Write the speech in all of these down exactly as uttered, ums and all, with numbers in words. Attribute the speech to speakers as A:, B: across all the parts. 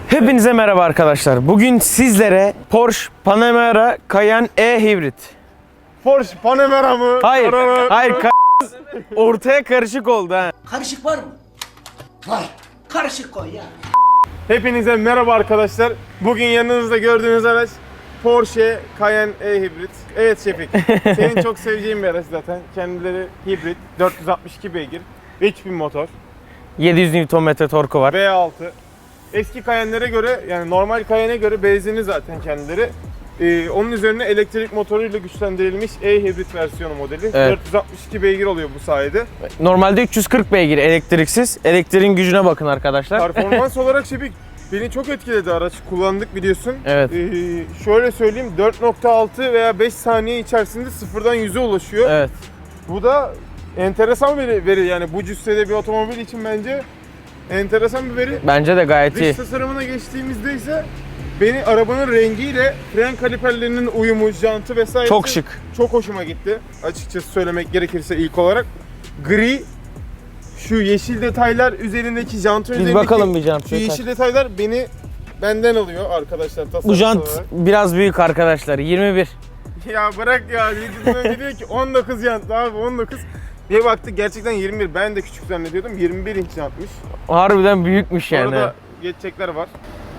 A: Hepinize merhaba arkadaşlar. Bugün sizlere Porsche Panamera Cayenne E Hibrit.
B: Porsche Panamera mı?
A: Hayır, hayır. Ka- ortaya karışık oldu ha.
C: Karışık var mı? Var. Karışık koy ya.
B: Hepinize merhaba arkadaşlar. Bugün yanınızda gördüğünüz araç Porsche Cayenne E Hibrit. Evet Şefik, senin çok seveceğin bir araç zaten. Kendileri hibrit, dört yüz altmış iki beygir, üç bin motor,
A: yedi yüz Newton metre torku var.
B: V altı. Eski Cayenne'lere göre, yani normal Cayenne'e göre benzinli zaten kendileri. Ee, onun üzerine elektrik motoruyla güçlendirilmiş E hibrit versiyonu modeli.
A: Evet.
B: dört yüz altmış iki beygir oluyor bu sayede.
A: Normalde üç yüz kırk beygir elektriksiz. Elektriğin gücüne bakın arkadaşlar.
B: Performans olarak Şefik, beni çok etkiledi araç. Kullandık biliyorsun.
A: Evet.
B: Ee, şöyle söyleyeyim, dört nokta altı veya beş saniye içerisinde sıfırdan yüze ulaşıyor.
A: Evet.
B: Bu da enteresan bir veri, yani bu cüssede bir otomobil için bence enteresan bir veri.
A: Bence de gayet iyi.
B: Dış tasarımına geçtiğimizde ise beni arabanın rengiyle fren kaliperlerinin uyumu, jantı vesaire
A: Çok şık.
B: çok hoşuma gitti. Açıkçası söylemek gerekirse ilk olarak gri, şu yeşil detaylar üzerindeki, jantın
A: Biz
B: üzerindeki
A: bakalım bir jant.
B: şu yeşil detaylar beni benden alıyor arkadaşlar tasarım
A: Bu jant
B: olarak.
A: biraz büyük arkadaşlar. yirmi bir.
B: Ya bırak ya, videodan diyor ki on dokuz jant abi, on dokuz. Bir baktık gerçekten yirmi bir. Ben de küçük zannediyordum. yirmi bir inç jantmış.
A: Harbiden büyükmüş yani.
B: Orada geçecekler var.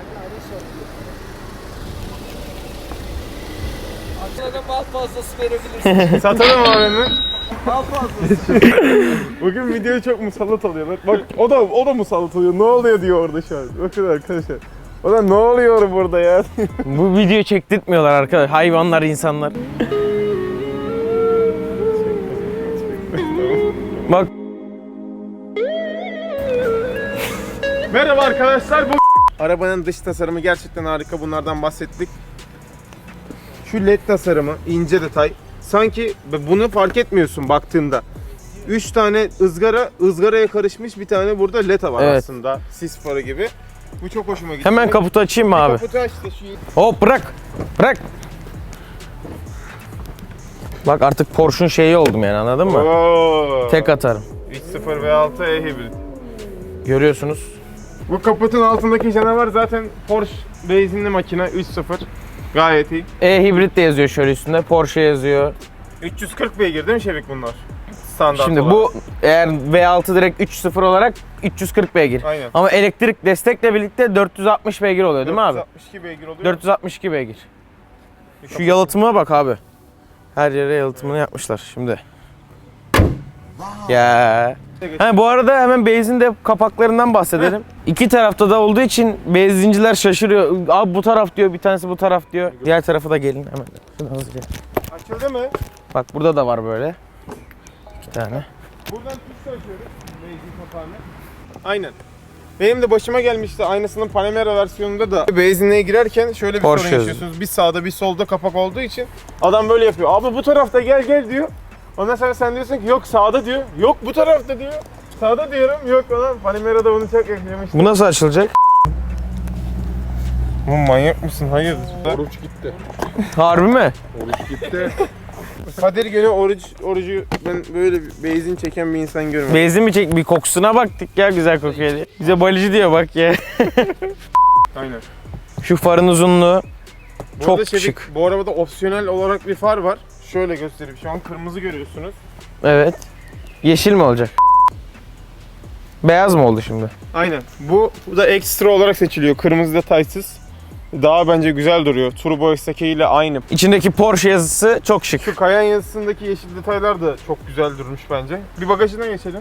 C: Aklına mal fazlası verebilirsin.
B: Satalım abi.
C: Mal fazlası.
B: Bugün videoya çok musallat oluyorlar. Bak o da o da musallat oluyor. Ne oluyor diyor orada şu an. Bakın arkadaşlar. O da ne oluyor burada ya?
A: Bu video çektirtmiyorlar arkadaşlar. Hayvanlar, insanlar. Bak.
B: Merhaba arkadaşlar. Bu arabanın dış tasarımı gerçekten harika. Bunlardan bahsettik. Şu led tasarımı, ince detay. Sanki bunu fark etmiyorsun baktığında. üç tane ızgara, ızgaraya karışmış bir tane burada led var
A: Evet.
B: aslında. Sis farı gibi. Bu çok hoşuma gitti.
A: Hemen kaputu açayım mı abi?
B: Kaputu aç da şu.
A: Hop bırak. Bırak. Bak artık Porsche'un şeyi oldum yani, anladın mı?
B: Oo.
A: Tek atarım.
B: üç sıfır V altı E hibrit.
A: Görüyorsunuz.
B: Bu kaputun altındaki canavar zaten Porsche benzinli makine üç sıfır. Gayet iyi.
A: E hibrit de yazıyor şöyle üstünde. Porsche yazıyor.
B: üç yüz kırk beygir değil mi Şevik bunlar? Standart
A: Şimdi
B: olan.
A: bu eğer V altı direkt üç sıfır olarak üç yüz kırk beygir.
B: Aynen.
A: Ama elektrik destekle birlikte dört yüz altmış beygir oluyor değil mi abi?
B: dört yüz altmış iki beygir oluyor.
A: dört yüz altmış iki beygir. Şu yalıtıma bak abi. Her yere yalıtımını yapmışlar şimdi. Ya. Ha, bu arada hemen benzin de kapaklarından bahsedelim. İki tarafta da olduğu için benzinciler şaşırıyor. Abi bu taraf diyor, bir tanesi bu taraf diyor. Diğer tarafa da gelin hemen. Şuradan hızlıca.
B: Açıldı mı?
A: Bak burada da var böyle. İki tane.
B: Buradan tuş açıyoruz. Benzin kapağını. Aynen. Benim de başıma gelmişti aynısının Panamera versiyonunda da benzinliğe girerken şöyle bir
A: Porsche
B: sorun yaşıyorsunuz. Bir sağda bir solda kapak olduğu için adam böyle yapıyor. Abi bu tarafta gel gel diyor. Ondan sonra sen diyorsun ki yok sağda diyor. Yok bu tarafta diyor. Sağda diyorum. Yok lan Panamera'da bunu çok yaşamıştım.
A: Bu nasıl açılacak?
B: Bu manyak mısın? Hayırdır?
D: Oruç gitti.
A: Harbi mi?
D: Oruç gitti.
B: Kadir gene oruç, orucu ben böyle bir benzin çeken bir insan görmedim.
A: Benzin mi çek? Bir kokusuna baktık ya, güzel kokuyor diye. Bize balıcı diyor bak ya.
B: Aynen.
A: Şu farın uzunluğu
B: Bu
A: çok
B: arada Şevik,
A: şık.
B: Bu arabada opsiyonel olarak bir far var. Şöyle göstereyim. Şu an kırmızı görüyorsunuz.
A: Evet. Yeşil mi olacak? Beyaz mı oldu şimdi?
B: Aynen. Bu, bu da ekstra olarak seçiliyor. Kırmızı detaysız. Daha bence güzel duruyor. Turbo S K ile aynı.
A: İçindeki Porsche yazısı çok şık.
B: Şu Cayenne yazısındaki yeşil detaylar da çok güzel durmuş bence. Bir bagajına geçelim.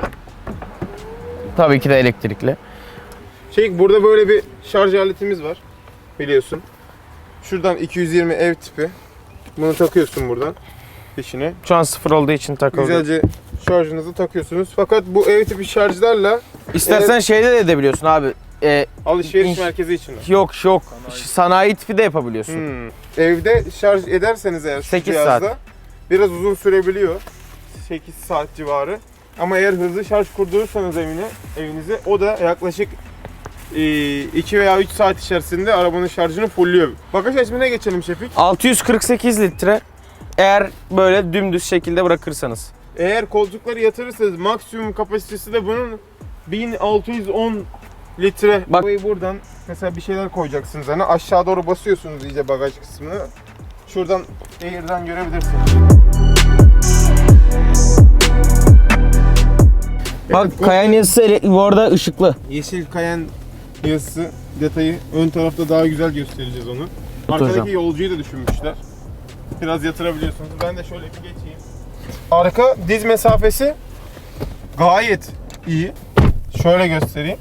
A: Tabii ki de elektrikli.
B: Şey, burada böyle bir şarj aletimiz var. Biliyorsun. Şuradan iki yüz yirmi ev tipi. Bunu takıyorsun buradan. Peşine.
A: Şu an sıfır olduğu için takıldı.
B: Güzelce şarjınızı takıyorsunuz. Fakat bu ev tipi şarjlarla
A: İstersen
B: Evet.
A: şeyde de edebiliyorsun abi. Ee,
B: alışveriş
A: İn-
B: merkezi için.
A: yok yok. Sanayi tipi de yapabiliyorsun.
B: Hmm. Evde şarj ederseniz eğer şu
A: sekiz
B: cihazda
A: saat.
B: biraz uzun sürebiliyor. sekiz saat civarı. Ama eğer hızlı şarj kurdurursanız evine, evinize o da yaklaşık iki veya üç saat içerisinde arabanın şarjını fullüyor. Bagaj hacmine geçelim Şefik.
A: altı yüz kırk sekiz litre. Eğer böyle dümdüz şekilde bırakırsanız.
B: Eğer koltukları yatırırsanız maksimum kapasitesi de bunun bin altı yüz on litre.
A: Bak-
B: Bak buradan mesela bir şeyler koyacaksınız. Hani aşağı doğru basıyorsunuz iyice bagaj kısmını. Şuradan Air'den görebilirsiniz.
A: Bak Cayenne yazısı ele- bu arada ışıklı.
B: Yeşil Cayenne yazısı detayı ön tarafta daha güzel göstereceğiz onu. Arkadaki
A: hocam.
B: yolcuyu da düşünmüşler. Biraz yatırabiliyorsunuz. Ben de şöyle bir geçeyim. Arka diz mesafesi gayet iyi. Şöyle göstereyim.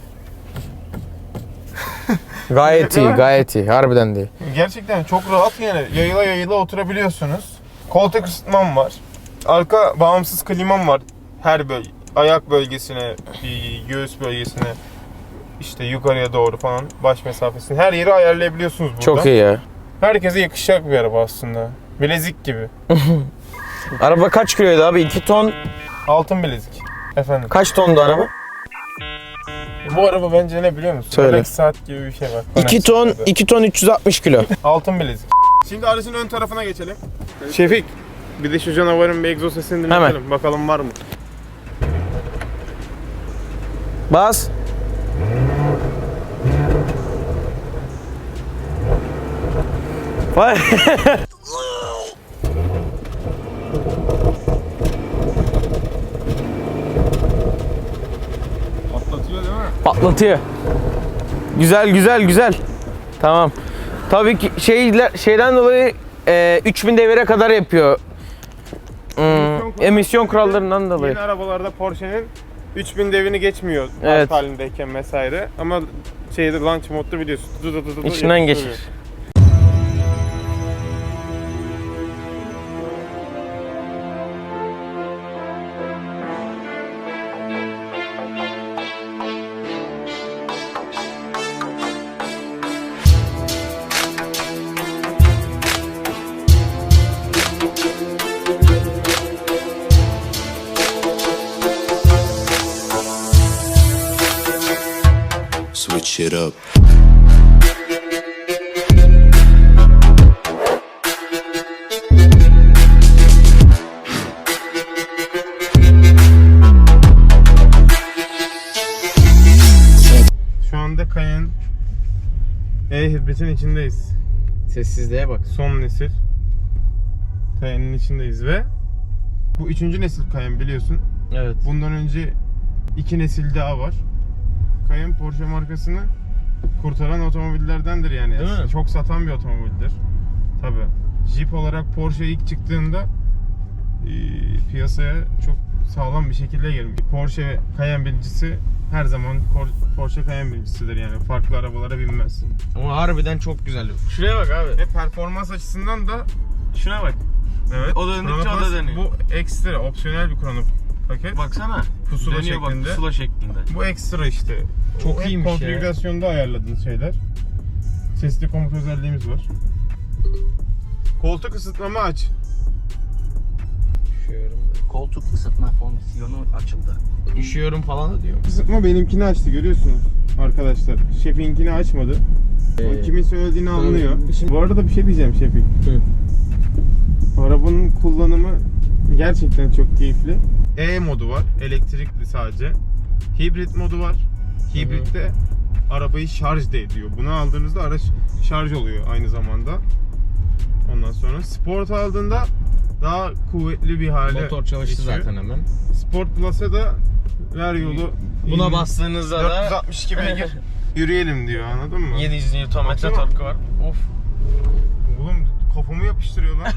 A: Gayet iyi, gayet iyi. Harbiden değil.
B: Gerçekten çok rahat yani. Yayıla yayıla oturabiliyorsunuz. Koltuk ısıtmam var. Arka bağımsız klimam var. Her böl ayak bölgesine, göğüs bölgesine, işte yukarıya doğru falan baş mesafesini her yeri ayarlayabiliyorsunuz burada.
A: Çok iyi ya.
B: Herkese yakışacak bir araba aslında. Bilezik gibi.
A: Araba kaç kiloydu abi? iki ton.
B: Altın bilezik. Efendim.
A: Kaç tondu araba?
B: Bu araba bence ne biliyor musun?
A: Söyle.
B: Rolex saat gibi bir şey var.
A: iki ton, iki ton üç yüz altmış kilo.
B: Altın bilezik. Şimdi aracın ön tarafına geçelim. Şefik, bir de şu canavarın bir egzoz sesini dinletelim.
A: Hemen.
B: Bakalım var mı?
A: Bas. Vay.
B: Patlatıyor değil mi?
A: Patlatıyor. Güzel güzel güzel. Tamam. Tabii ki şeyler şeyden dolayı e, üç bin devire kadar yapıyor. Hmm, emisyon kurallarından dolayı.
B: Yeni arabalarda Porsche'nin üç bin devini geçmiyor
A: Evet.
B: alt halindeyken vesaire. Ama şeyde launch modda biliyorsun. Du du du du du
A: İçinden
B: yapıştırıyor.
A: geçir.
D: Switch it up.
B: Şu anda Cayenne E-Hybrid'in içindeyiz.
A: Sessizliğe bak.
B: Son nesil Cayenne'in içindeyiz ve bu üçüncü nesil Cayenne biliyorsun.
A: Evet.
B: Bundan önce iki nesil daha var. Cayenne Porsche markasını kurtaran otomobillerdendir yani.
A: Değil
B: aslında.
A: mi?
B: Çok satan bir otomobildir. Tabi. Jeep olarak Porsche ilk çıktığında e, piyasaya çok sağlam bir şekilde girmiş. Porsche Cayenne birincisi her zaman Cor- Porsche Cayenne birincisidir yani. Farklı arabalara binmez.
A: Ama harbiden çok güzel. Şuraya bak abi.
B: Ve performans açısından da
A: Şuna bak.
B: evet.
A: O döndükçe o da
B: Chronopass
A: dönüyor.
B: Bu ekstra opsiyonel bir krono paket.
A: Baksana.
B: Pusula
A: Dönüyor bak,
B: şeklinde.
A: pusula şeklinde.
B: Bu ekstra işte.
A: Çok
B: O hep
A: iyiymiş ya.
B: konfigürasyonda ayarladığın şeyler. Sesli komut özelliğimiz var. Koltuk ısıtmamı aç.
A: Üşüyorum.
C: Koltuk ısıtma fonksiyonu açıldı.
A: Üşüyorum falan da diyor.
B: Isıtma benimkini açtı görüyorsunuz arkadaşlar. Şefik'inkini açmadı.
A: Ee,
B: O kimin söylediğini
A: tabii.
B: anlıyor.
A: Şimdi-
B: Bu arada bir şey diyeceğim Şefik. Arabanın kullanımı gerçekten çok keyifli. E modu var, elektrikli sadece. Hibrit modu var. Hibritte arabayı şarj da ediyor. Bunu aldığınızda araç şarj oluyor aynı zamanda. Ondan sonra Sport aldığında daha kuvvetli bir hale
A: Motor çalıştı
B: geçiyor.
A: zaten hemen.
B: Sport Plus'a da ver yolu.
A: Buna
B: in-
A: bastığınızda da
B: dört yüz altmış iki beygir yürüyelim diyor, anladın mı?
A: yedi yüz Newton metre
B: Baksana.
A: torku var. Of.
B: Oğlum kafamı yapıştırıyor lan.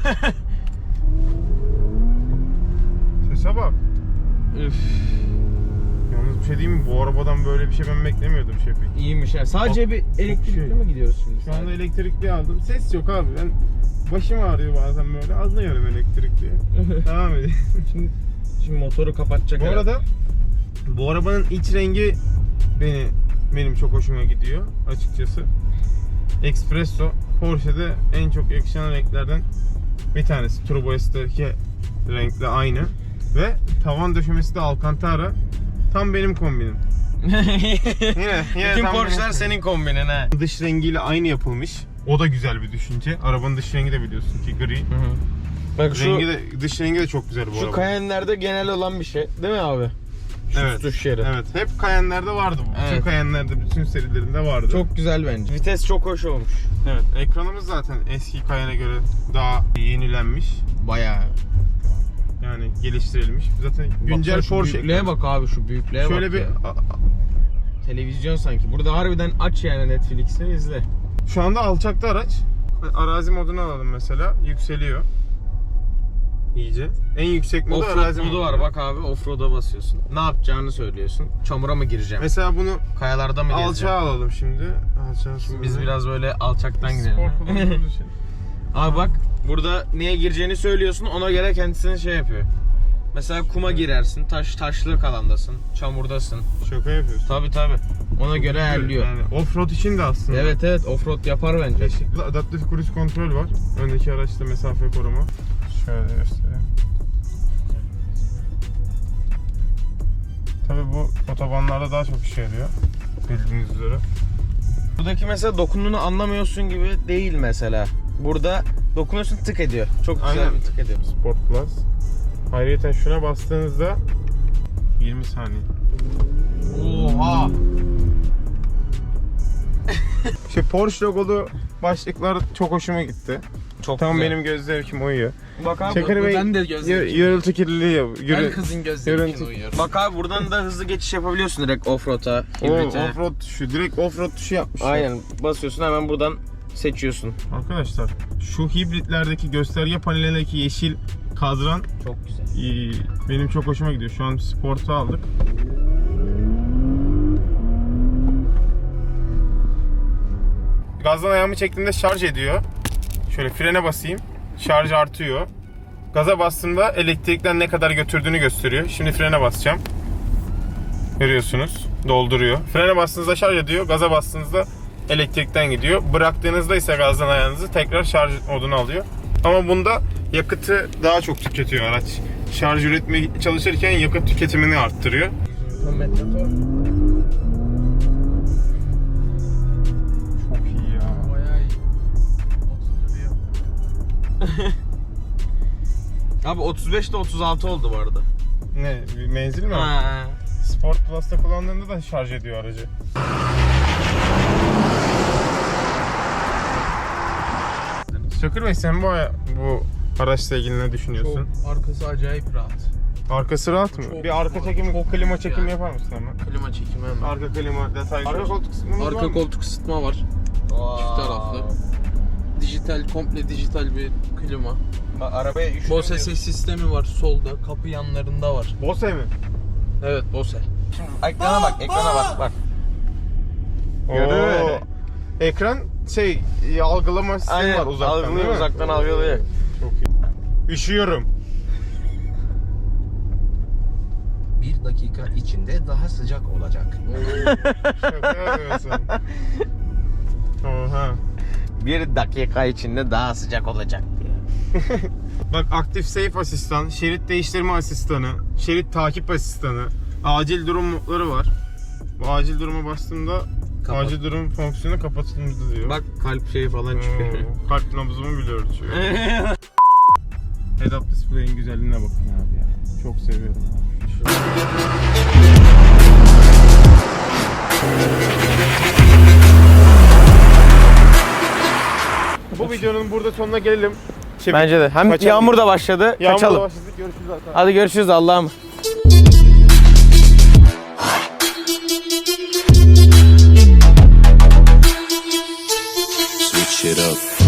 B: Sese bak.
A: Üf.
B: Yalnız bir şey diyeyim mi? Bu arabadan böyle bir şey ben beklemiyordum Şefik.
A: İyiymiş ya. Sadece bir elektrikli
B: şey.
A: mi gidiyoruz şimdi?
B: Şu anda elektrikli aldım. Ses yok abi. Ben başım ağrıyor bazen böyle. Anlıyorum elektrikli. Devam edeyim.
A: Şimdi, şimdi motoru kapatacak.
B: Bu
A: herhalde.
B: arada bu arabanın iç rengi beni benim çok hoşuma gidiyor açıkçası. Espresso Porsche'de en çok yakışan renklerden bir tanesi. Turbo S'teki renkle aynı. Ve tavan döşemesi de Alcantara. Tam benim kombinim. Yine, yine
A: Bütün
B: tam
A: Porsche'lar
B: benim-
A: senin kombinin ha.
B: Dış rengiyle aynı yapılmış. O da güzel bir düşünce. Arabanın dış rengi de biliyorsun ki gri.
A: Bak şu
B: Rengi de, dış rengi de çok güzel bu
A: şu
B: araba.
A: Cayenne'lerde genel olan bir şey. Değil mi abi?
B: Evet.
A: tutuş yeri.
B: Evet. Hep Cayenne'lerde vardı bu.
A: Evet.
B: Bütün Cayenne'lerde, bütün serilerinde vardı.
A: Çok güzel bence. Vites çok hoş olmuş.
B: Evet. Ekranımız zaten eski Cayenne'e göre daha yenilenmiş.
A: Bayağı.
B: Yani geliştirilmiş. Zaten güncel
A: Baksana şu
B: Porsche
A: büyüklüğe
B: ekranı.
A: bak abi, şu büyüklüğe
B: Şöyle
A: bak
B: bir
A: ya.
B: a- a-
A: Televizyon sanki. Burada harbiden aç yani Netflix'i izle.
B: şu anda alçakta araç. Arazi modunu alalım mesela. Yükseliyor. İyice. En yüksek modu
A: Offroad
B: arazi
A: modu var bak abi, offroad'a basıyorsun. Ne yapacağını söylüyorsun. Çamura mı gireceğim?
B: Mesela bunu
A: Kayalarda mı gezeceğim?
B: alçağa alalım şimdi. Alçağa sonra.
A: Biz biraz böyle alçaktan gidelim.
B: spor kullandığımız için.
A: Abi bak, burada neye gireceğini söylüyorsun, ona göre kendisini şey yapıyor. Mesela kuma girersin, taş taşlık alandasın, çamurdasın.
B: Şaka yapıyorsun.
A: Tabi tabi. Ona göre ayarlıyor.
B: Yani offroad için de aslında.
A: Evet evet, offroad yapar bence.
B: Adaptif cruise kontrol var. Öndeki araçta mesafe koruma. Şöyle göstereyim. Tabii bu otobanlarda daha çok işe yarıyor. Bildiğiniz üzere.
A: Buradaki mesela dokunduğunu anlamıyorsun gibi değil mesela. Burada dokunuyorsun, tık ediyor. Çok güzel
B: Aynen.
A: bir tık ediyor.
B: Sport Plus. Ayrıca şuna bastığınızda yirmi saniye.
A: Oha!
B: İşte Porsche logolu başlıklar çok hoşuma gitti.
A: Çok
B: Tam
A: güzel.
B: benim göz zevkime uyuyor.
A: Bak abi,
B: Çakır Bey
E: ben de göz
B: y-
E: zevkime
B: gürültü kirliliği yap.
E: Her
B: Gürü-
E: kızın göz
B: Görüntü-
E: zevkine uyuyor.
A: Bak abi, buradan da hızlı geçiş yapabiliyorsun direkt offroad'a,
B: O
A: hibrite.
B: offroad tuşu, direkt offroad tuşu yapmışlar.
A: Aynen, basıyorsun hemen buradan seçiyorsun.
B: Arkadaşlar şu hibritlerdeki gösterge panelindeki yeşil kadran
A: Çok güzel.
B: e, benim çok hoşuma gidiyor. Şu an Sport'u aldık. Gazdan ayağımı çektiğimde şarj ediyor. Şöyle frene basayım. Şarj artıyor. Gaza bastığımda elektrikten ne kadar götürdüğünü gösteriyor. Şimdi frene basacağım. Görüyorsunuz. Dolduruyor. Frene bastığınızda şarj ediyor. Gaza bastığınızda elektrikten gidiyor. Bıraktığınızda ise gazdan ayağınızı tekrar şarj moduna alıyor. Ama bunda yakıtı daha çok tüketiyor araç. Şarj üretmeye çalışırken yakıt tüketimini arttırıyor. Çok iyi ya.
E: Bayağı iyi. Oturtuyor.
A: Abi otuz beşte otuz altı oldu bu arada.
B: Ne? Bir menzil mi?
A: Ha.
B: Sport Plus'ta kullandığında da şarj ediyor aracı. Çakır Bey, sen bu, bu araçla ilgili ne düşünüyorsun?
E: Çok, arkası acayip rahat.
B: Arkası rahat mı?
E: Çok
B: bir arka
E: rahat,
B: çekimi,
E: çok
B: klima
E: rahat
B: çekimi
E: yani.
B: yapar mısın hemen?
E: Klima çekimi hemen.
B: Arka klima detaylı. Arka koltuk kısmımız var
E: Arka
B: mı?
E: koltuk ısıtma var. Çift taraflı. Dijital, komple dijital bir klima.
A: Bak, arabaya üşüdüm
E: Bose
A: diyorsun.
E: ses sistemi var solda, kapı yanlarında var.
B: Bose mi?
E: Evet, Bose.
A: Ekrana bak, ekrana bak bak.
B: Oo. Ekran şey algılama sistemi
A: Aynen,
B: var uzaktan değil
A: algılıyor,
B: mi?
A: uzaktan algılıyor.
B: Çok iyi. Üşüyorum.
F: Bir dakika içinde daha sıcak olacak.
B: Şaka yapıyorsun. Oha.
A: Bir dakika içinde daha sıcak olacak diye.
B: Bak, aktif safe asistan, şerit değiştirme asistanı, şerit takip asistanı, acil durum modları var. Bu acil duruma bastığımda
E: Kapat.
B: acil durum fonksiyonu kapatıldı diyor.
A: Bak, kalp şeyi falan çıkıyor.
B: Oo, kalp nabzımı bile ölçüyor. Head-up display'in güzelliğine bakın abi ya. Çok seviyorum abi. Bu videonun burada sonuna gelelim. Şey,
A: Bence de. Hem
B: Kaçalım.
A: yağmur da başladı.
B: Yağmurla
A: Kaçalım.
B: başladık. Görüşürüz arkadaşlar.
A: Hadi görüşürüz, Allah'ım.
D: Switch it up.